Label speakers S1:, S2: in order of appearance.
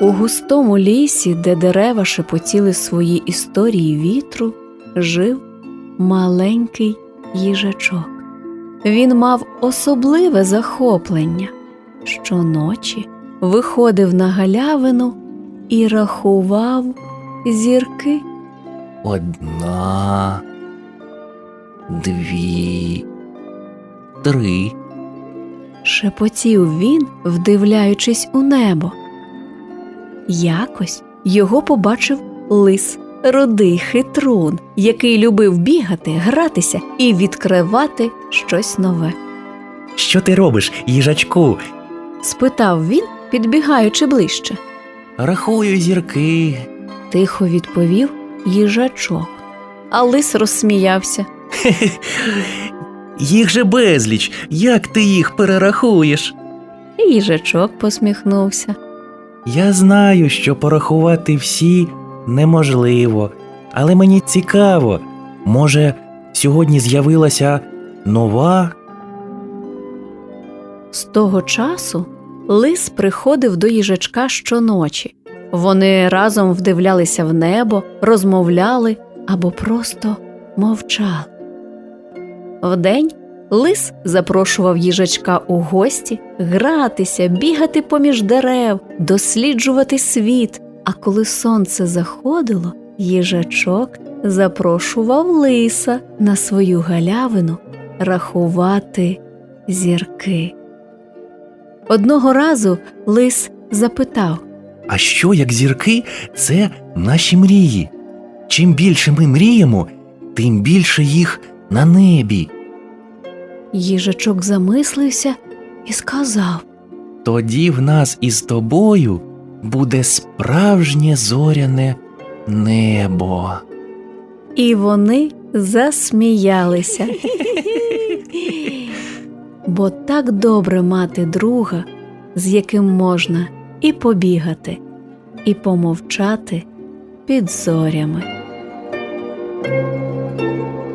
S1: У густому лісі, де дерева шепотіли свої історії вітру, жив маленький їжачок. Він мав особливе захоплення. Щоночі виходив на галявину і рахував зірки.
S2: 1, 2, 3.
S1: Шепотів він, вдивляючись у небо. Якось його побачив лис, рудий хитрун, який любив бігати, гратися і відкривати щось нове.
S2: Що ти робиш, їжачку?
S1: Спитав він, підбігаючи ближче.
S2: Рахую зірки.
S1: Тихо відповів їжачок. А лис розсміявся.
S2: Їх же безліч. Як ти їх перерахуєш?
S1: І їжачок посміхнувся.
S2: Я знаю, що порахувати всі неможливо, але мені цікаво, може, сьогодні з'явилася нова?
S1: З того часу лис приходив до їжачка щоночі. Вони разом вдивлялися в небо, розмовляли або просто мовчали. Вдень лис запрошував їжачка у гості гратися, бігати поміж дерев, досліджувати світ. А коли сонце заходило, їжачок запрошував лиса на свою галявину рахувати зірки. Одного разу лис запитав:
S2: А що, як зірки – це наші мрії? Чим більше ми мріємо, тим більше їх на небі.
S1: Їжачок замислився і сказав:
S2: Тоді в нас із тобою буде справжнє зоряне небо.
S1: І вони засміялися. Бо так добре мати друга, з яким можна і побігати, і помовчати під зорями.